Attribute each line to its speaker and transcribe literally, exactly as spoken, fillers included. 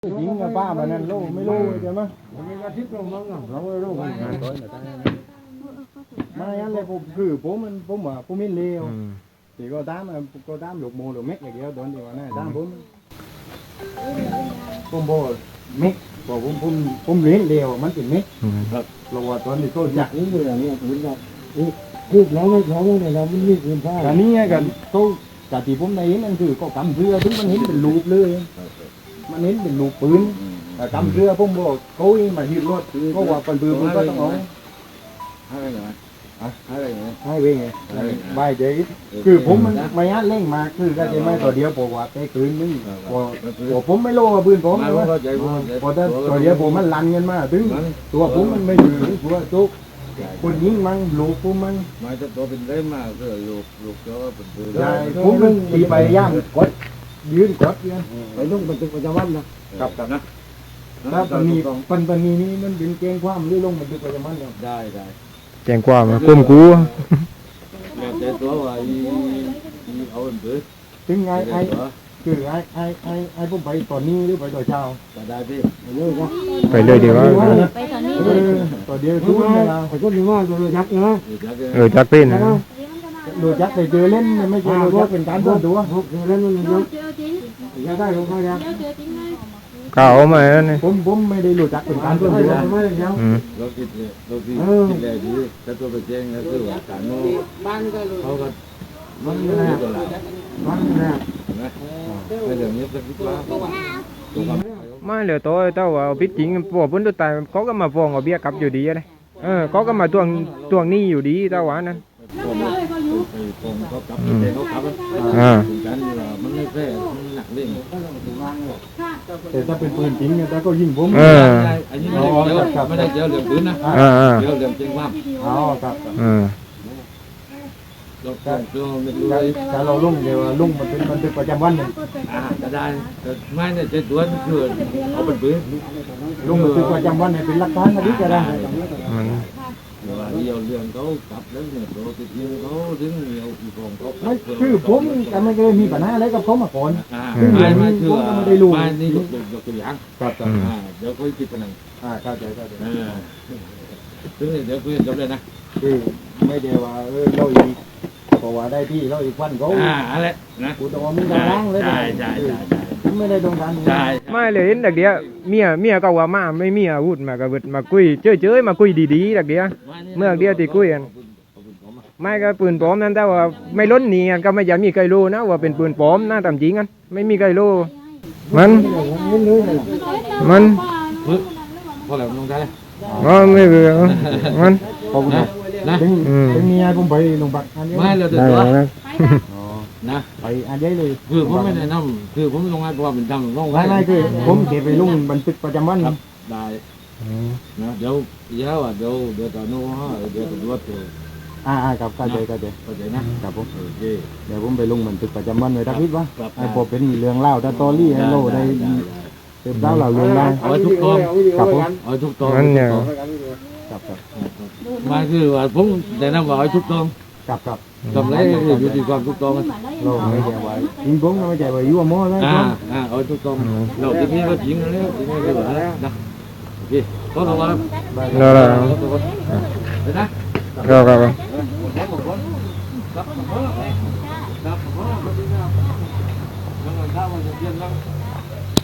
Speaker 1: จริงนะป้ามันนั่นลูกไม่รู้ใช่ไหม
Speaker 2: มีอาทิตย์ลงมั้งเราไม่รู้กัน
Speaker 1: มาอย่างไรผมคือผมมันผมว่าผมไม่เลวthì có tám có tám lục mô lục mét này kia đón thì mà này tám bốnผมบอกเม็ดบอกผมผมผมเลี้ยงเดียวมันเป็นเม็ดเราว่าตอนนี้ก็อยาก
Speaker 2: นี่คืออย่างนี้คือแบบคือเราไม่เราไม่เราไม่มีคุณค่า
Speaker 1: อันนี้กันก็แต่ที่ผมได้เห็นนั่นคือก็กำเรือถึงมันเห็นเป็นรูปเลยมันเห็นเป็นรูปปืนแต่กำเรือผมบอกเขามาหิ้วรถก็ว่าเป็นปืนมันก็ต้องเอา
Speaker 2: อะไรอย่างเงี้ยอะไรอย่างเงี้ย
Speaker 1: ให้เว้งไงใบเจ๊คือผมมันไม่ยัดเล่งมาคือก็จะไม่ตัวเดียวบอกว่าไปคืนนึงพอพอผมไม่โลกับปืนผมเลยว่าพอถ้าตัวเดียวผมมันลันกันมาถึงตัวผมมันไม่อยู่ตัวจุกคนยิงมันลูกผมมัน
Speaker 2: หมายถึงตัวเป็นได้มากคือลูกลูกเจ้าเป็นปืน
Speaker 1: ใช่ผมมันตีไปย่างกดยืนกดยืน
Speaker 2: ไปนุ่งเป็นตึกประจำวันนะ
Speaker 1: กับกับนะถ้าปนีปันปนีนี้มันเป็นเกงความหรือลงมันดึกไปจะมันเนี่ย
Speaker 2: ได้ได้
Speaker 3: แจ้งความมาก้มกู
Speaker 2: แล้วแต่ตัวว่าอีเอาเป็นปืน
Speaker 1: ถึงไงไอคือไอไอไอไอผมไปตอนนี้หรือไปตอนเช้า
Speaker 2: ก็ได้พี่เยอะก็
Speaker 3: ไปเลยเดี๋ยวว่า
Speaker 4: ไปตอนนี้
Speaker 1: เออตัวเดียวทุกเวลา
Speaker 2: ไอ้คนนี้ว่าตัวยักษ์นะ
Speaker 3: เออจักเป็นนะ
Speaker 1: ดูจักไปเจอเล่นไม่เจอดูจักเป็นการต้นตัว
Speaker 2: พกเล่นมันเยอะ
Speaker 4: เจอจริง
Speaker 2: ยังได้ลงมายัง
Speaker 4: เจอเจอจริงเลย
Speaker 3: ข่าวมาแล้วนี่
Speaker 1: ผมผมไม่ได้รู้จักเป็นการต้นตัว
Speaker 2: ไม่ได้ยัง
Speaker 3: อืม
Speaker 2: เราคิดเราคิดคิดแรกดีแต่ตัวไปแจ้งก็คือว่าการโน้เขาก็มันไม่ได้ตัวละมันไม่ได้นะไม่เรื่องนี้สักนิดว่าตัวกับ
Speaker 3: ไม่เหลือตัวเต้าว่าพิษจริงพวกพ้นตัวตายเขาก็มาฟ้องเอาเบี้ยกลับอยู่ดีเลยเออเขาก็มาทวงทวงหนี้อยู่ดีเต้าหวานนั้น
Speaker 2: ผมไปฟ้องเขากลับแต่เขากลับ
Speaker 3: อ่า
Speaker 2: ถึงกันมันไม่แพ้มันหนักเล่น
Speaker 1: แต่ถ้าเป็นปืนจริงเนี่ยแต่ก็ยิงผม
Speaker 3: เออ
Speaker 2: อันนี้ไม่ได้เจอไม่ได้เจอเรื่องปืนนะ
Speaker 3: อ่าอ่า
Speaker 2: เจอเรื่องจริงว่า
Speaker 1: อ๋อครับ
Speaker 3: อ่า
Speaker 2: เราต้องตัวไม่รู้
Speaker 1: ถ้าเราลุ่งเดี๋ยวลุ่งมันเป็นมันเป็นประจำวันเนี่ย
Speaker 2: อ่าจะได้ไม่เนี่ยเจ็ดตัวคือเอาเป็นปืน
Speaker 1: ลุ่งมันเป็นประจำวันเนี่ยเป็นหลักฐานคดีก็ได้
Speaker 3: มัน
Speaker 2: เดี๋ยวเดียวเรื่องเขากลับแล้วเนี่ยตัวติดยิงเขาถึงเดียวอีกองเขา
Speaker 1: ไม่คือผมแต่ไม่เคยมีปัญหาอะไรกับเขามาก่อน
Speaker 2: อ่าไม่ไม่คือไม่นี่ยกยกตัวอย่าง
Speaker 1: ครับครับ
Speaker 2: อ่าเดี๋ยวคุยคิดกันหนึ่ง
Speaker 1: อ่าเข้าใจเข้าใจ
Speaker 2: อ่าถึงเดี๋ยวคุยจบเลยนะ
Speaker 1: คือไม่ได้ว่าเออเราอีกเพราะว่าได้ที่เราอีกวันเขา
Speaker 2: อ่าอะไรนะ
Speaker 1: กูต้องว่ามึงจะล้างเลย
Speaker 2: ใช่ใช่ใช่ใช่
Speaker 1: ผมไม่ได้ต้องการ
Speaker 2: ใช่
Speaker 3: ไม่เลยเห็นดักเดียวเมียเมียก็ว่ามาไม่มีอาวุธมากระเบิดมาคุยเจ้ยเจ้ยมาคุยดีๆดักเดียวเมื่อเดียวที่คุยกันไม่ก็ปืนปลอมนั่นแต่ว่าไม่ล้นหนีกันก็ไม่อยากมีใครรู้นะว่าเป็นปืนปลอมนะตามจริงกันไม่มีใครรู้มันมัน
Speaker 2: พอแล้วลงได้เลย
Speaker 3: อ๋อไม่เบื่อมัน
Speaker 1: ผมนะ
Speaker 2: นะ
Speaker 1: ถึง
Speaker 3: อืม
Speaker 1: ถึงมีไอ้ผมไปลงบักอันนี้
Speaker 2: ไม่เราเดือ
Speaker 3: ได้
Speaker 2: ดร้อน
Speaker 3: แล้ว
Speaker 2: นะ
Speaker 1: ไปอันนี้เลย
Speaker 2: คือผมไม่แนะนำคือผมลงให้เพราะว่าเป็นทำลง
Speaker 1: ไม่ไม่คือผมเก็บไปลุ่งบันทึกประจำวัน
Speaker 2: ครับได้นะเดี๋ยวเดี๋ยวอ่ะเดี๋ยวเดี๋ยวตอนนู้นเดี๋ยวตำรวจเจอ
Speaker 1: อ่าอ่าครับเข้าใจเข้าใจ
Speaker 2: เข้าใจนะครับ
Speaker 1: ผม
Speaker 2: โอเค
Speaker 1: เดี๋ยวผมไปลงบันทึกประจำวันไว้ทักทิศวะ
Speaker 2: ครับ
Speaker 1: ไอ้พอเป็นเรื่องเล่าถ้าตอรี่ให้โลได้เติมเล่าเราเรื่องได้
Speaker 2: เอาทุกตอน
Speaker 1: ครับผม
Speaker 2: เอาทุกตอน
Speaker 3: มันเนี่ย
Speaker 1: ครับครับ
Speaker 2: มาคือว่าผมแนะนำว่าเอาทุกตอน
Speaker 1: ครับครับ
Speaker 2: กำไรอยู่ที่ความทุกตอน
Speaker 1: เราไม่ใจไว้ยิงผมไม่ใจไว้ยั่วโม้แล้ว
Speaker 2: อ่าอ่าเอาทุกตอนเราทีนี้ก็ยิงแล้วทีนี้ก็เหลือแล้วนะโอเคขอระวัง
Speaker 3: แล้วแล้ว
Speaker 2: เดี๋ยวนะ
Speaker 3: ครับครับ
Speaker 2: ครับ